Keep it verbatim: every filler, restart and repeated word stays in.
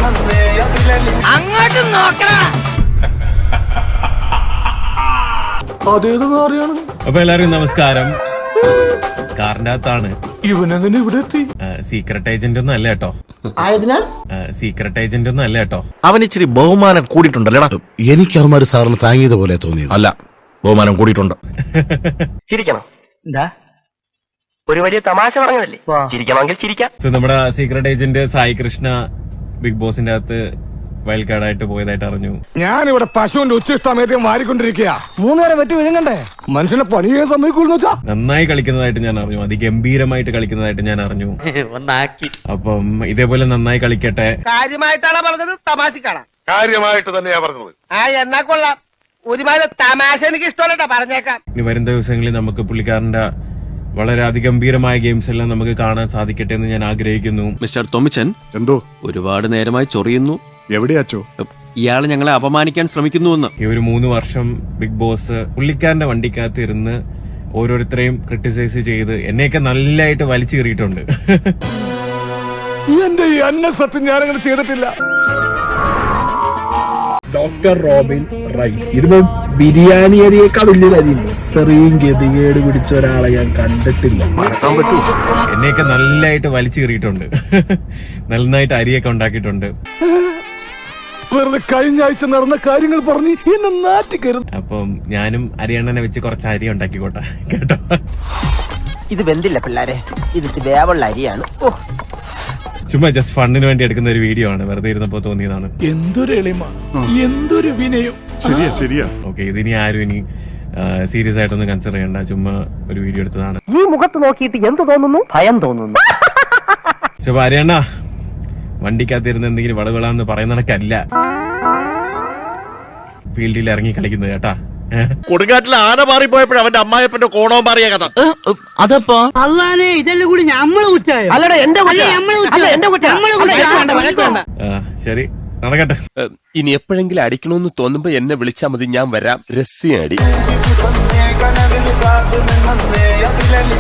അങ്ങോട്ട് നോക്കണ. അതേതെന്ന് അറിയാണ്. അപ്പൊ എല്ലാവർക്കും നമസ്കാരം. കാറിന്റെ അകത്താണ്. ഇവനെങ്ങനെ ഇവിടെ എത്തി? സീക്രട്ട് ഏജന്റ് ഒന്നും അല്ല കേട്ടോ. ആയതിനാൽ സീക്രട്ട് ഏജന്റ് ഒന്നും അല്ല കേട്ടോ. അവൻ ഇച്ചിരി ബഹുമാനം കൂടിയിട്ടുണ്ടല്ലേടാ. എനിക്ക് അവന്മാര് സാറിന് താങ്ങിയത് പോലെ തോന്നി. അല്ല, ബഹുമാനം കൂടിയിട്ടുണ്ട്. ചിരിക്കണം. എന്താ ഒരു വലിയ തമാശ പറഞ്ഞതല്ലേ, ചിരിക്കണമെങ്കിൽ ചിരിക്കാം. സോ നമ്മുടെ secret agent Sai Krishna big ബോസിന്റെ അകത്ത് വൈൽഡ് കാർഡായിട്ട് പോയതായിട്ട് അറിഞ്ഞു. ഞാനിവിടെ പശുവിന്റെ ഉച്ചിഷ്ടമേദ്യം വാരിക്കൊണ്ടിരിക്കുക. മൂന്നേരം വെട്ടി വിഴുങ്ങണ്ടേ? മനുഷ്യനെ പണിയെ സമ്മതിക്കൂന്ന് വെച്ചാ. നന്നായി കളിക്കുന്നതായിട്ട് ഞാൻ അറിഞ്ഞു. അതിഗംഭീരമായിട്ട് കളിക്കുന്നതായിട്ട് ഞാൻ അറിഞ്ഞു. അപ്പം ഇതേപോലെ നന്നായി കളിക്കട്ടെ. കാര്യമായിട്ടാണ് പറഞ്ഞത്, തമാശക്കാണ്? കാര്യമായിട്ട് തന്നെയാ പറഞ്ഞത്. ആ എന്നാ കൊള്ളാം. ഒരുപാട് തമാശ എനിക്ക് ഇഷ്ടമല്ലട്ടാ, പറഞ്ഞേക്കാം. ഇനി വരും ദിവസങ്ങളിൽ നമുക്ക് പുള്ളിക്കാരന്റെ വളരെ അതിഗംഭീരമായ ഗെയിംസ് എല്ലാം നമുക്ക് കാണാൻ സാധിക്കട്ടെ എന്ന് ഞാൻ ആഗ്രഹിക്കുന്നു. മിസ്റ്റർ തോമിച്ചൻ, എന്തോ ഒരുപാട് നേരമായി ചൊറിയുന്നു. എവിടെയാച്ചോ? ഇയാള് ഞങ്ങളെ അപമാനിക്കാൻ ശ്രമിക്കുന്നുവെന്ന്. ഈ ഒരു മൂന്ന് വർഷം ബിഗ് ബോസ് പുള്ളിക്കാരന്റെ വണ്ടിക്കകത്ത് ഇരുന്ന് ഓരോരുത്തരെയും ക്രിട്ടിസൈസ് ചെയ്ത് എന്നെയൊക്കെ നല്ലതായിട്ട് വലിച്ചു കയറിയിട്ടുണ്ട്. എന്റെ ഈ അന്ന സത്യം ഞാനങ്ങനെ ചെയ്തിട്ടില്ല. Doctor Robin rice. ഇതിപ്പോ ബിരിയാണി അരിയേക്കാൾ വലിയൊരു അരിയുണ്ട്. ഇത്രയും ഗതികേട് പിടിച്ച ഒരാളെ ഞാൻ കണ്ടിട്ടില്ല. മറക്കാൻ പറ്റൂ. എന്നെയൊക്കെ നല്ലതായിട്ട് വലിച്ചു കയറിയിട്ടുണ്ട്. നന്നായിട്ട് അരിയൊക്കെ ഉണ്ടാക്കിയിട്ടുണ്ട്. വെറുതെ കഴിഞ്ഞ ആഴ്ച നടന്ന കാര്യങ്ങൾ പറഞ്ഞ് എന്നെ നാറ്റിക്കരുത്. അപ്പം ഞാനും അരിയണ്ണനെ വെച്ച് കുറച്ച് അരി ഉണ്ടാക്കിക്കോട്ടെ കേട്ടോ. ഇത് വെന്തില്ല പിള്ളാരെ, ഇത് വേവുള്ള അരിയാണ്. ചുമ്മാ ജസ്റ്റ് ഫണ്ടിന് വേണ്ടി എടുക്കുന്ന ഒരു വീഡിയോ ആണ്. വെറുതെ ഇരുന്നപ്പോ തോന്നിയതാണ്. എന്തൊരു എളിമ, എന്തൊരു വിനയം. ശരിയാ ശരിയാ. ഓക്കെ, ഇതിനി ആരും ഇനി സീരിയസ് ആയിട്ടൊന്നും കൺസിഡർ ചെയ്യണ്ട. ചുമ്മാ ഒരു വീഡിയോ എടുത്തതാണ്. ഈ മുഖത്ത് നോക്കിയിട്ട് എന്ത് തോന്നുന്നു? ഭയം തോന്നുന്നു. ചുമ്മാ അരിയണ്ണ വണ്ടിക്കകത്തിരുന്ന് എന്തെങ്കിലും വളവിളാന്ന് പറയുന്ന കണക്കല്ല ഫീൽഡിൽ ഇറങ്ങി കളിക്കുന്നത് കേട്ടാ. കൊടുങ്കാറ്റിൽ ആന മാറിപ്പോയപ്പോഴും അവന്റെ അമ്മായപ്പന്റെ കോണവും മാറിയ കഥ. അതപ്പോ അള്ളാനെ ഇതെല്ലാം കൂടി ഞമ്മള് കുറ്റായോ? അല്ലടാ എന്റെ അല്ല, നമ്മള് കുറ്റം. ശരി, നടക്കട്ടെ. ഇനി എപ്പോഴെങ്കിലും അടിക്കണമെന്ന് തോന്നുമ്പോ എന്നെ വിളിച്ചാൽ മതി, ഞാൻ വരാം. രസ്യം അടി.